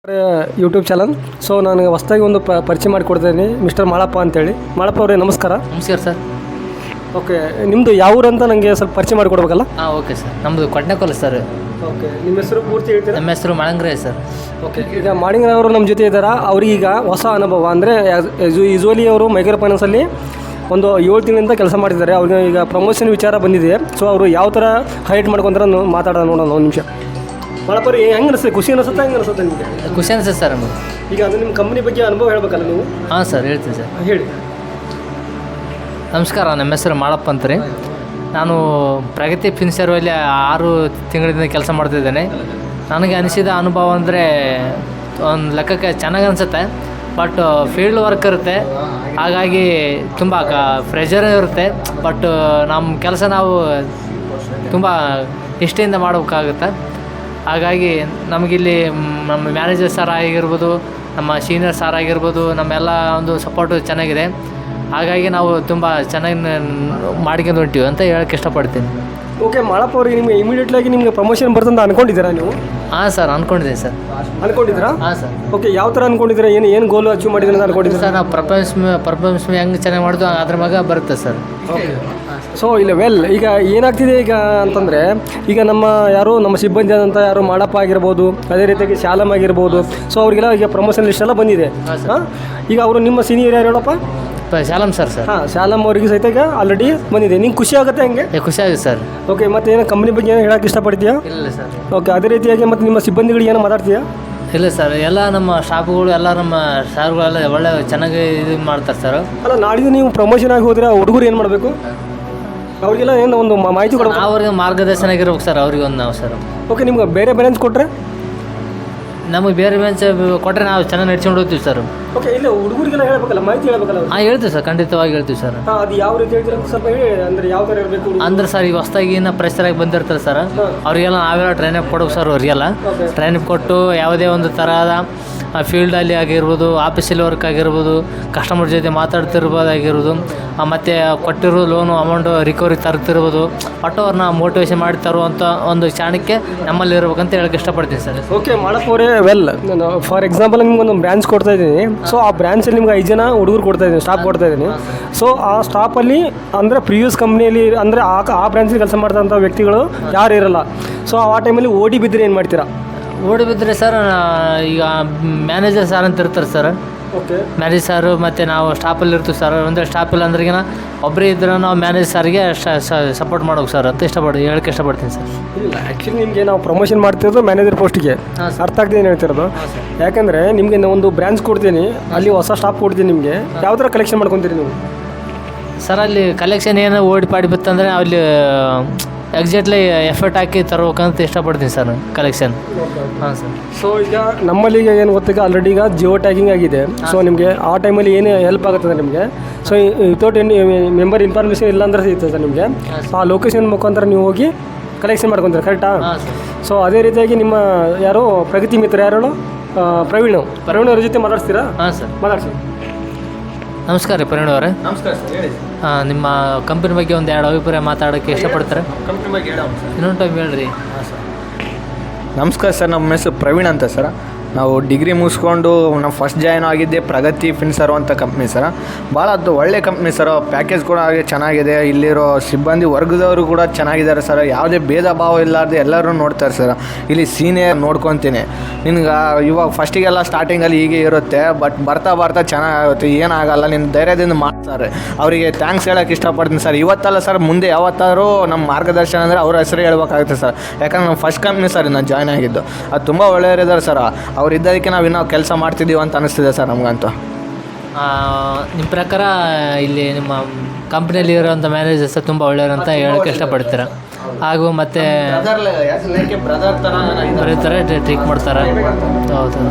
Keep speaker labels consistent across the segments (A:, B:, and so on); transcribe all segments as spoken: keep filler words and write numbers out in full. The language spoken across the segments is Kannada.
A: YouTube channel. ಸೊ ನಾನು ಹೊಸದಾಗಿ ಒಂದು ಪ ಪರಿಚಯ ಮಾಡಿಕೊಡ್ತೀನಿ, ಮಿಸ್ಟರ್ ಮಾಳಪ್ಪ ಅಂತೇಳಿ. ಮಾಳಪ್ಪ ಅವರೇ ನಮಸ್ಕಾರ.
B: ನಮಸ್ಕಾರ ಸರ್.
A: ಓಕೆ, ನಿಮ್ಮದು ಯಾವ ಊರು ಅಂತ ನನಗೆ ಸ್ವಲ್ಪ ಪರಿಚಯ ಮಾಡಿಕೊಡ್ಬೇಕಲ್ಲ?
B: ಹಾಂ ಓಕೆ ಸರ್, ನಮ್ಮದು ಕೊಡ್ನೆಕೊಲ್ಲ ಸರ್.
A: ಓಕೆ, ನಿಮ್ಮ ಹೆಸರು ಪೂರ್ತಿ ಹೇಳ್ತೀರಾ?
B: ನಮ್ಮ ಹೆಸರು ಮಾಳಂಗ್ರೆ ಸರ್.
A: ಓಕೆ, ಈಗ ಮಾಳಿಂಗ್ರೆ ಅವರು ನಮ್ಮ ಜೊತೆ ಇದ್ದಾರೆ. ಅವ್ರಿಗೀಗ ಹೊಸ ಅನುಭವ ಅಂದರೆ ಯೂಶ್ವಲಿ ಅವರು ಮೈಕ್ರೋ ಫೈನಾನ್ಸಲ್ಲಿ ಒಂದು ಏಳು ತಿಂಗಳಿಂದ ಕೆಲಸ ಮಾಡ್ತಿದ್ದಾರೆ. ಅವ್ರಿಗೆ ಈಗ ಪ್ರಮೋಷನ್ ವಿಚಾರ ಬಂದಿದೆ. ಸೊ ಅವರು ಯಾವ ಥರ ಹೈಟ್ ಮಾಡ್ಕೊತಾರೆ ಮಾತಾಡೋಣ, ನೋಡೋಣ ಒಂದು ನಿಮಿಷ. ಮಾಳಪ್ಪರು ಹೆಂಗೆ ಅನಿಸುತ್ತೆ? ಖುಷಿ ಅನಿಸುತ್ತಾ ಹೆಂಗೆ ಅನಿಸುತ್ತೆ ನಿಮಗೆ?
B: ಖುಷಿ ಅನಿಸುತ್ತೆ ಸರ್ ನಮಗೆ.
A: ಈಗ ಅದು ನಿಮ್ಮ ಕಂಪ್ನಿ ಬಗ್ಗೆ ಅನುಭವ ಹೇಳ್ಬೇಕಲ್ಲ ನೀವು?
B: ಹಾಂ ಸರ್, ಹೇಳ್ತೀನಿ ಸರ್.
A: ಹೇಳಿ.
B: ನಮಸ್ಕಾರ, ನಮ್ಮ ಹೆಸರು ಮಾಳಪ್ಪ ಅಂತ ರೀ. ನಾನು ಪ್ರಗತಿ ಫಿನ್ಸರ್ವಲ್ಲಿ ಆರು ತಿಂಗಳಿಂದ ಕೆಲಸ ಮಾಡ್ತಿದ್ದೇನೆ. ನನಗೆ ಅನಿಸಿದ ಅನುಭವ ಅಂದರೆ ಒಂದು ಲೆಕ್ಕಕ್ಕೆ ಚೆನ್ನಾಗಿ ಅನಿಸುತ್ತೆ. ಬಟ್ ಫೀಲ್ಡ್ ವರ್ಕ್ ಇರುತ್ತೆ, ಹಾಗಾಗಿ ತುಂಬ ಕ ಪ್ರೆಷರ್ ಇರುತ್ತೆ. ಬಟ್ ನಮ್ಮ ಕೆಲಸ ನಾವು ತುಂಬ ನಿಷ್ಠೆಯಿಂದ ಮಾಡಬೇಕಾಗುತ್ತೆ. ಹಾಗಾಗಿ ನಮಗಿಲ್ಲಿ ನಮ್ಮ ಮ್ಯಾನೇಜರ್ ಸರ್ ಆಗಿರ್ಬೋದು, ನಮ್ಮ ಸೀನಿಯರ್ ಸರ್ ಆಗಿರ್ಬೋದು, ನಮ್ಮೆಲ್ಲ ಒಂದು ಸಪೋರ್ಟು ಚೆನ್ನಾಗಿದೆ. ಹಾಗಾಗಿ ನಾವು ತುಂಬ ಚೆನ್ನಾಗಿ ಮಾಡ್ಕೊಂಡು ಹೊಂಟೀವಿ ಅಂತ ಹೇಳೋಕ್ಕೆ ಇಷ್ಟಪಡ್ತೀನಿ.
A: ಓಕೆ, ಮಾಳಪ್ಪ ಅವ್ರಿಗೆ ನಿಮಗೆ ಇಮಿಡಿಯೇಟ್ಲಾಗಿ ನಿಮಗೆ ಪ್ರಮೋಷನ್ ಬರ್ತಂತ ಅನ್ಕೊಂಡಿದ್ದೀರಾ ನೀವು?
B: ಹಾಂ ಸರ್, ಅಂದ್ಕೊಂಡಿದ್ದೀನಿ ಸರ್.
A: ಅನ್ಕೊಂಡಿದ್ದೀರಾ?
B: ಹಾಂ ಸರ್.
A: ಓಕೆ, ಯಾವ ಥರ ಅನ್ಕೊಂಡಿದ್ದೀರಾ? ಏನು ಏನು ಗೋಲ್ ಅಚೀವ್ ಮಾಡಿದ್ದೀರಾ ಅಂತ ಅನ್ಕೊಂಡಿದ್ದೀರಾ?
B: ಸರ್, ನಾವು ಪರ್ಫಾರ್ಮೆನ್ಸ್ ಪರ್ಫಾರ್ಮೆನ್ಸ್ ಹೆಂಗೆ ಚೆನ್ನಾಗಿ ಮಾಡಿದ್ವು ಅದ್ರ ಮಗ ಬರುತ್ತೆ ಸರ್.
A: ಓಕೆ, ಸೊ ಇಲ್ಲ ವೆಲ್, ಈಗ ಏನಾಗ್ತಿದೆ ಈಗ ಅಂತಂದರೆ, ಈಗ ನಮ್ಮ ಯಾರು ನಮ್ಮ ಸಿಬ್ಬಂದಿ ಆದಂಥ ಯಾರು ಮಾಳಪ್ಪ ಆಗಿರ್ಬೋದು, ಅದೇ ರೀತಿಯಾಗಿ ಶಾಲಮ್ ಆಗಿರ್ಬೋದು, ಸೊ ಅವ್ರಿಗೆಲ್ಲ ಈಗ ಪ್ರಮೋಷನ್ ಲಿಸ್ಟ್ ಎಲ್ಲ ಬಂದಿದೆ. ಹಾಂ, ಈಗ ಅವರು ನಿಮ್ಮ ಸೀನಿಯರ್ ಯಾರು ಹೇಳಪ್ಪ?
B: ಶಾಲಮ್ ಸರ್. ಸರ್
A: ಹಾಂ, ಶಾಲಮ್ ಅವರಿಗೆ ಸಹಿತ ಈಗ ಆಲ್ರೆಡಿ ಬಂದಿದೆ. ನಿಂಗೆ ಖುಷಿ ಆಗುತ್ತೆ ಹಂಗೆ?
B: ಖುಷಿ ಆಗುತ್ತೆ ಸರ್.
A: ಓಕೆ, ಮತ್ತು ಏನೋ ಕಂಪ್ನಿ ಬಗ್ಗೆ ಏನೋ ಹೇಳೋಕ್ಕೆ ಇಷ್ಟಪಡ್ತೀಯಾ?
B: ಇಲ್ಲ ಸರ್.
A: ಓಕೆ, ಅದೇ ರೀತಿಯಾಗಿ ಮತ್ತು ನಿಮ್ಮ ಸಿಬ್ಬಂದಿಗಳಿಗೆ ಏನೋ ಮಾತಾಡ್ತೀಯಾ?
B: ಇಲ್ಲ ಸರ್, ಎಲ್ಲ ನಮ್ಮ ಸ್ಟಾಫ್ಗಳು ಎಲ್ಲ ನಮ್ಮ ಸಾರ್ಗಳೆಲ್ಲ ಒಳ್ಳೆ ಚೆನ್ನಾಗಿ ಇದು ಮಾಡ್ತಾರೆ ಸರ್.
A: ಅಲ್ಲ, ನಾಳಿದ್ದು ನೀವು ಪ್ರಮೋಷನ್ ಆಗಿ ಹೋದರೆ ಹುಡುಗರು ಏನು ಮಾಡಬೇಕು? ಅವ್ರಿಗೆಲ್ಲ ಏನು ಒಂದು ಮಾಹಿತಿ ಕೊಡಬೇಕು.
B: ಅವ್ರಿಗೆ ಮಾರ್ಗದರ್ಶನ ಆಗಿರ್ಬೇಕು ಸರ್, ಅವ್ರಿಗೆ ಒಂದು ನಾವು ಸರ್.
A: ಓಕೆ, ನಿಮ್ಗೆ ಬೇರೆ ಬ್ಯಾಲೆನ್ಸ್ ಕೊಟ್ಟರೆ?
B: ನಮಗೆ ಬೇರೆ ಬೆಂಚ್ ಕೊಟ್ಟರೆ ನಾವು ಚೆನ್ನಾಗಿ ನಡ್ಸ್ಕೊಂಡು ಹೋಗ್ತೀವಿ ಸರ್.
A: ಓಕೆ, ಇಲ್ಲ ಹುಡುಗರಿಗೆಲ್ಲ ಹೇಳ್ಬೇಕಲ್ಲ, ಮಾಹಿತಿ ಹೇಳ್ಬೇಕಲ್ಲ?
B: ಹಾಂ, ಹೇಳ್ತೀವಿ ಸರ್, ಖಂಡಿತವಾಗಿ ಹೇಳ್ತೀವಿ ಸರ್.
A: ಹಾಂ, ಅದು ಯಾವ ರೀತಿ ಹೇಳ್ತೀರ ಸ್ವಲ್ಪ ಹೇಳಿ. ಅಂದರೆ ಯಾವ ಥರ ಇರಬೇಕು
B: ಅಂದ್ರೆ ಸರ್, ಈಗ ಹೊಸ್ದಾಗಿ ಇನ್ನೂ ಪ್ರೆಷರಾಗಿ ಬಂದಿರ್ತಾರೆ ಸರ್, ಅವರಿಗೆಲ್ಲ ನಾವೆಲ್ಲ ಟ್ರೈನಪ್ ಕೊಡೋಕೆ ಸರ್. ಅವರಿಗೆಲ್ಲ ಟ್ರೈನಪ್ ಕೊಟ್ಟು ಯಾವುದೇ ಒಂದು ಥರದ ಫೀಲ್ಡಲ್ಲಿ ಆಗಿರ್ಬೋದು, ಆಫೀಸಲ್ಲಿ ವರ್ಕ್ ಆಗಿರ್ಬೋದು, ಕಸ್ಟಮರ್ ಜೊತೆ ಮಾತಾಡ್ತಿರ್ಬೋದಾಗಿರ್ಬೋದು, ಮತ್ತು ಕೊಟ್ಟಿರೋ ಲೋನು ಅಮೌಂಟು ರಿಕವರಿ ತರ್ತಿರ್ಬೋದು, ಒಟ್ಟು ಅವ್ರನ್ನ ಮೋಟಿವೇಶನ್ ಮಾಡಿ ತರುವಂಥ ಒಂದು ಚಾಣಕ್ಕೆ ನಮ್ಮಲ್ಲಿ ಇರ್ಬೇಕಂತ ಹೇಳಕ್ಕೆ ಇಷ್ಟಪಡ್ತೀನಿ ಸರ್.
A: ಓಕೆ, ಮಾಡಪ್ಪ ಅವರೇ ವೆಲ್, ನಾನು ಫಾರ್ ಎಕ್ಸಾಂಪಲ್ ನಿಮ್ಗೆ ಒಂದು ಬ್ರಾಂಚ್ ಕೊಡ್ತಾ ಇದ್ದೀನಿ. ಸೊ ಆ ಬ್ರಾಂಚಲ್ಲಿ ನಿಮ್ಗೆ ಐದು ಜನ ಹುಡುಗರು ಕೊಡ್ತಾ ಇದ್ದೀನಿ, ಸ್ಟಾಫ್ ಕೊಡ್ತಾ ಇದ್ದೀನಿ. ಸೊ ಆ ಸ್ಟಾಫಲ್ಲಿ ಅಂದರೆ ಪ್ರಿವಿಯಸ್ ಕಂಪ್ನಿಯಲ್ಲಿ ಅಂದರೆ ಆ ಆ ಬ್ರಾಂಚಲ್ಲಿ ಕೆಲಸ ಮಾಡ್ತಂಥ ವ್ಯಕ್ತಿಗಳು ಯಾರು ಇರಲ್ಲ. ಸೊ ಆ ಟೈಮಲ್ಲಿ ಓಡಿ ಬಿದ್ದರೆ ಏನು ಮಾಡ್ತೀರಾ?
B: ಓಡಿ ಬಿದ್ದರೆ ಸರ್, ಈಗ ಮ್ಯಾನೇಜರ್ ಸಾರ್ ಅಂತ ಇರ್ತಾರೆ ಸರ್.
A: ಓಕೆ,
B: ಮ್ಯಾನೇಜ್ ಸಾರು ಮತ್ತು ನಾವು ಸ್ಟಾಫಲ್ಲಿ ಇರ್ತೀವಿ ಸರ್. ಅಂದರೆ ಸ್ಟಾಫ್ ಇಲ್ಲ ಅಂದ್ರಿಗಿನ ಒಬ್ಬರೇ ಇದ್ದರೆ ನಾವು ಮ್ಯಾನೇಜ್ ಸಾರಿಗೆ ಸಪೋರ್ಟ್ ಮಾಡೋಕೆ ಸರ್ ಅಂತ ಇಷ್ಟಪಡ್ತೀನಿ, ಹೇಳಕ್ಕೆ ಇಷ್ಟಪಡ್ತೀನಿ ಸರ್.
A: ಇಲ್ಲ, ಆ್ಯಕ್ಚುಲಿ ನಿಮಗೆ ನಾವು ಪ್ರಮೋಷನ್ ಮಾಡ್ತಿರೋದು ಮ್ಯಾನೇಜರ್ ಪೋಸ್ಟಿಗೆ. ಅರ್ಥ ಆಗ್ತದೆ ಏನು ಹೇಳ್ತಿರೋದು? ಯಾಕಂದರೆ ನಿಮಗೆ ಒಂದು ಬ್ರಾಂಚ್ ಕೊಡ್ತೀನಿ, ಅಲ್ಲಿ ಹೊಸ ಸ್ಟಾಫ್ ಕೊಡ್ತೀನಿ. ನಿಮಗೆ ಯಾವ ಥರ ಕಲೆಕ್ಷನ್ ಮಾಡ್ಕೊತೀರಿ ನೀವು?
B: ಸರ್, ಅಲ್ಲಿ ಕಲೆಕ್ಷನ್ ಏನು ಓಡಿ ಪಾಡಿ ಬಿತ್ತಂದರೆ ಅಲ್ಲಿ ಎಕ್ಸಾಕ್ಟ್ಲಿ ಎಫರ್ಟ್ ಹಾಕಿ ತರ್ಬೇಕಂತ ಇಷ್ಟಪಡ್ತೀನಿ ಸರ್, ಕಲೆಕ್ಷನ್. ಹಾಂ ಸರ್.
A: ಸೊ ಈಗ ನಮ್ಮಲ್ಲಿ ಈಗ ಏನು ಗೊತ್ತೀಗ ಆಲ್ರೆಡಿ ಈಗ ಜಿಯೋ ಟ್ಯಾಗಿಂಗ್ ಆಗಿದೆ. ಸೊ ನಿಮಗೆ ಆ ಟೈಮಲ್ಲಿ ಏನು ಹೆಲ್ಪ್ ಆಗುತ್ತದೆ ನಿಮಗೆ? So without any member information ಇಲ್ಲ ಅಂದರೆ ಸಿಗ್ತದೆ ಸರ್ ನಿಮಗೆ. ಆ ಲೊಕೇಶನ್ ಮುಖಾಂತರ ನೀವು ಹೋಗಿ ಕಲೆಕ್ಷನ್ ಮಾಡ್ಕೊತೀರ, ಕರೆಕ್ಟಾ? ಸೊ ಅದೇ ರೀತಿಯಾಗಿ ನಿಮ್ಮ ಯಾರೋ ಪ್ರಗತಿ ಮಿತ್ರ ಯಾರು ಪ್ರವೀಣ್ ಪ್ರವೀಣ್ ಅವ್ರ ಜೊತೆ ಮಾತಾಡ್ತೀರಾ?
B: ಹಾಂ ಸರ್,
A: ಮಾತಾಡ್ಸಿ.
B: ನಮಸ್ಕಾರ ರೀ ಪ್ರವೀಣ್ ಅವರೇ.
A: ನಮಸ್ಕಾರ ಸರ್, ಹೇಳಿ.
B: ಹಾಂ, ನಿಮ್ಮ ಕಂಪನಿ ಬಗ್ಗೆ ಒಂದು ಎರಡು ಅಭಿಪ್ರಾಯ ಮಾತಾಡೋಕ್ಕೆ ಇಷ್ಟಪಡ್ತಾರೆ?
A: ಕಂಪ್ನಿ ಬಗ್ಗೆ ಹೇಳೋ
B: ಇನ್ನೊಂದು ಟೈಮ್ ಹೇಳ್ರಿ.
A: ಹಾಂ ಸರ್.
C: ನಮಸ್ಕಾರ ಸರ್, ನಮ್ಮ ಹೆಸರು ಪ್ರವೀಣ್ ಅಂತ ಸರ್. ನಾವು ಡಿಗ್ರಿ ಮುಗಿಸ್ಕೊಂಡು ನಾವು ಫಸ್ಟ್ ಜಾಯ್ನ್ ಆಗಿದ್ದೆ ಪ್ರಗತಿ ಫಿನ್ಸರ್ ಅಂತ ಕಂಪ್ನಿ ಸರ್. ಭಾಳ ಅದು ಒಳ್ಳೆ ಕಂಪ್ನಿ ಸರ್. ಪ್ಯಾಕೇಜ್ ಕೂಡ ಹಾಗೆ ಚೆನ್ನಾಗಿದೆ. ಇಲ್ಲಿರೋ ಸಿಬ್ಬಂದಿ ವರ್ಗದವರು ಕೂಡ ಚೆನ್ನಾಗಿದ್ದಾರೆ ಸರ್. ಯಾವುದೇ ಭೇದ ಭಾವ ಇಲ್ಲಾರ್ದೆ ಎಲ್ಲರೂ ನೋಡ್ತಾರೆ ಸರ್. ಇಲ್ಲಿ ಸೀನಿಯರ್ ನೋಡ್ಕೊತೀನಿ. ನಿನ್ಗೆ ಇವಾಗ ಫಸ್ಟಿಗೆಲ್ಲ ಸ್ಟಾರ್ಟಿಂಗಲ್ಲಿ ಹೀಗೆ ಇರುತ್ತೆ, ಬಟ್ ಬರ್ತಾ ಬರ್ತಾ ಚೆನ್ನಾಗುತ್ತೆ, ಏನಾಗಲ್ಲ, ನಿನ್ನ ಧೈರ್ಯದಿಂದ ಮಾಡ್ತಾರೆ. ಅವರಿಗೆ ಥ್ಯಾಂಕ್ಸ್ ಹೇಳೋಕ್ಕೆ ಇಷ್ಟಪಡ್ತೀನಿ ಸರ್. ಇವತ್ತಲ್ಲ ಸರ್, ಮುಂದೆ ಯಾವತ್ತಾದ್ರೂ ನಮ್ಮ ಮಾರ್ಗದರ್ಶನ ಅಂದರೆ ಅವ್ರ ಹೆಸರು ಹೇಳ್ಬೇಕಾಗುತ್ತೆ ಸರ್. ಯಾಕಂದ್ರೆ ನಮ್ಮ ಫಸ್ಟ್ ಕಂಪ್ನಿ ಸರ್ ನಾನು ಜಾಯ್ನ್ ಆಗಿದ್ದು. ಅದು ತುಂಬ ಒಳ್ಳೆಯವರಿದ್ದಾರೆ ಸರ್. ಅವ್ರು ಇದ್ದದಕ್ಕೆ ನಾವು ಇನ್ನೂ ಕೆಲಸ ಮಾಡ್ತಿದ್ದೀವಿ ಅಂತ ಅನಿಸ್ತಿದೆ ಸರ್ ನಮಗಂತೂ.
B: ನಿಮ್ಮ ಪ್ರಕಾರ ಇಲ್ಲಿ ನಿಮ್ಮ ಕಂಪ್ನಿಯಲ್ಲಿ ಇರೋಂಥ ಮ್ಯಾನೇಜರ್ಸ್ ತುಂಬ ಒಳ್ಳೆಯವರು ಅಂತ ಹೇಳೋಕ್ಕೆ ಇಷ್ಟಪಡ್ತೀರಾ? ಹಾಗೂ ಮತ್ತು
C: ಬ್ರದರ್ ಥರ
B: ಬರೀತಾರೆ, ಟ್ರೀಟ್ ಮಾಡ್ತಾರೆ. ಹೌದು,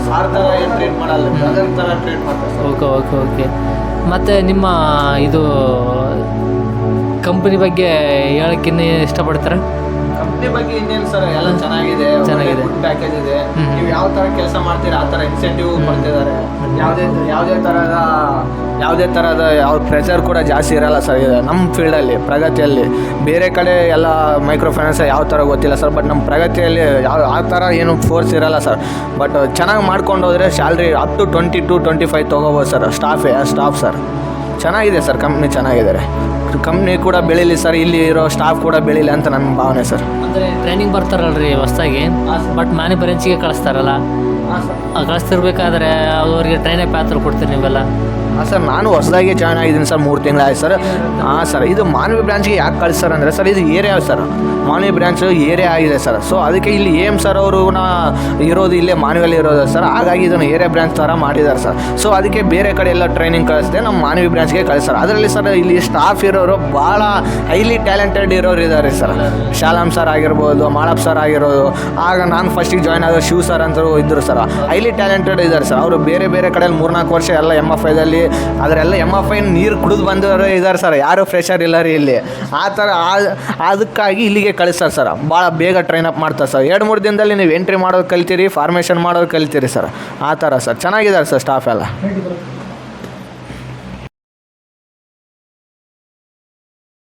B: ಓಕೆ ಓಕೆ ಓಕೆ ಮತ್ತು ನಿಮ್ಮ ಇದು ಕಂಪ್ನಿ ಬಗ್ಗೆ ಹೇಳೋಕ್ಕಿನ್ನೂ ಇಷ್ಟಪಡ್ತಾರೆ?
C: ಕಂಪ್ನಿ ಬಗ್ಗೆ ಇನ್ನೇನು ಸರ್ ಎಲ್ಲ ಚೆನ್ನಾಗಿದೆ,
B: ಚೆನ್ನಾಗಿದೆ.
C: ಪ್ಯಾಕೇಜ್ ಇದೆ.
B: ಹ್ಮ್.
C: ನೀವು ಯಾವ ಥರ ಕೆಲಸ ಮಾಡ್ತೀರಾ ಆ ಥರ ಇನ್ಸೆಂಟಿವ್ ಕೊಡ್ತಿದ್ದಾರೆ. ಯಾವುದೇ ಯಾವುದೇ ಥರದ ಯಾವುದೇ ಥರದ ಯಾವ ಪ್ರೆಷರ್ ಕೂಡ ಜಾಸ್ತಿ ಇರಲ್ಲ ಸರ್ ಇದೆ ನಮ್ಮ ಫೀಲ್ಡಲ್ಲಿ ಪ್ರಗತಿಯಲ್ಲಿ. ಬೇರೆ ಕಡೆ ಎಲ್ಲ ಮೈಕ್ರೋ ಫೈನಾನ್ಸ್ ಯಾವ ಥರ ಗೊತ್ತಿಲ್ಲ ಸರ್, ಬಟ್ ನಮ್ಮ ಪ್ರಗತಿಯಲ್ಲಿ ಯಾವ ಆ ಥರ ಏನು ಫೋರ್ಸ್ ಇರಲ್ಲ ಸರ್. ಬಟ್ ಚೆನ್ನಾಗಿ ಮಾಡ್ಕೊಂಡು ಹೋದರೆ salary up to twenty to twenty five ತೊಗೋಬೋದು ಸರ್. ಸ್ಟಾಫೇ ಸ್ಟಾಫ್ ಸರ್ ಚೆನ್ನಾಗಿದೆ ಸರ್, ಕಂಪ್ನಿ ಚೆನ್ನಾಗಿದ್ದಾರೆ. ಕಂಪ್ನಿ ಕೂಡ ಬೆಳೀಲಿ ಸರ್, ಇಲ್ಲಿ ಇರೋ ಸ್ಟಾಫ್ ಕೂಡ ಬೆಳೀಲಿ ಅಂತ ನನ್ನ ಭಾವನೆ ಸರ್.
B: ಅಂದರೆ ಟ್ರೈನಿಂಗ್ ಬರ್ತಾರಲ್ರಿ ಹೊಸ್ದಾಗಿ, ಬಟ್ ಮ್ಯಾನಿ ಬ್ರಾಂಚಿಗೆ ಕಳಿಸ್ತಾರಲ್ಲ, ಆ ಕಳಿಸ್ತಿರ್ಬೇಕಾದ್ರೆ ಅವ್ರಿಗೆ ಟ್ರೈನಿಂಗ್ ಪಾತ್ರ ಕೊಡ್ತೀರಿ ನೀವೆಲ್ಲ?
C: ಹಾಂ ಸರ್, ನಾನು ಹೊಸದಾಗಿ ಜಾಯ್ನ್ ಆಗಿದ್ದೀನಿ ಸರ್, ಮೂರು ತಿಂಗಳಾಯ್ತು ಸರ್. ಹಾಂ ಸರ್, ಇದು ಮಾನವಿ ಬ್ರಾಂಚ್ಗೆ ಯಾಕೆ ಕಳಿಸ್ತಾರೆ ಅಂದರೆ ಸರ್, ಇದು area sir, Manvi branch area ಆಗಿದೆ ಸರ್. ಸೊ ಅದಕ್ಕೆ ಇಲ್ಲಿ ಎ ಎಮ್ ಸರ್ ಅವರು ಇರೋದು ಇಲ್ಲೇ ಮಾನವಿಯಲ್ಲಿ ಇರೋದು ಸರ್, ಹಾಗಾಗಿ ಇದನ್ನು ಏರಿಯಾ ಬ್ರಾಂಚ್ ಥರ ಮಾಡಿದ್ದಾರೆ ಸರ್. ಸೊ ಅದಕ್ಕೆ ಬೇರೆ ಕಡೆ ಎಲ್ಲ ಟ್ರೈನಿಂಗ್ ಕಳಿಸ್ದೆ ನಮ್ಮ ಮಾನವಿ ಬ್ರಾಂಚ್ಗೆ ಕಳಿಸ್ತಾರೆ. ಅದರಲ್ಲಿ ಸರ್ ಇಲ್ಲಿ ಸ್ಟಾಫ್ ಇರೋರು ಭಾಳ ಹೈಲಿ ಟ್ಯಾಲೆಂಟೆಡ್ ಇರೋರು ಇದ್ದಾರೆ ಸರ್. ಶಾಲಾಮ್ ಸರ್ ಆಗಿರ್ಬೋದು, ಮಾಳಪ್ಪ ಸರ್ ಆಗಿರೋದು, ಆಗ ನಾನು ಫಸ್ಟಿಗೆ ಜಾಯ್ನ್ ಆದ ಶಿವ್ ಸರ್ ಅಂತ ಇದ್ದರು ಸರ್. ಹೈಲಿ ಟ್ಯಾಲೆಂಟೆಡ್ ಇದ್ದಾರೆ ಸರ್. ಅವರು ಬೇರೆ ಬೇರೆ ಕಡೆಯಲ್ಲಿ ಮೂರ್ನಾಲ್ಕು ವರ್ಷ ಎಲ್ಲ ಎಮ್ ಎಫ್ ಐದಲ್ಲಿ ಅದರೆಲ್ಲ ಎಮ್ ಎಫ್ ಐ ನೀರು ಕುಡಿದು ಬಂದವರು ಇದ್ದಾರೆ ಸರ್. ಯಾರು ಫ್ರೆಷರ್ ಇಲ್ಲ ರೀ ಇಲ್ಲಿ. ಆ ಥರ ಅದಕ್ಕಾಗಿ ಇಲ್ಲಿಗೆ ಕಳಿಸ್ತಾರೆ ಸರ್. ಭಾಳ ಬೇಗ ಟ್ರೈನ್ ಅಪ್ ಮಾಡ್ತಾರೆ ಸರ್. ಎರಡು ಮೂರು ದಿನದಲ್ಲಿ ನೀವು ಎಂಟ್ರಿ ಮಾಡೋದು ಕಲ್ತೀರಿ, ಫಾರ್ಮೇಷನ್ ಮಾಡೋದು ಕಲ್ತೀರಿ ಸರ್. ಆ ಥರ ಸರ್ ಚೆನ್ನಾಗಿದ್ದಾರೆ ಸರ್ ಸ್ಟಾಫ್ ಎಲ್ಲ.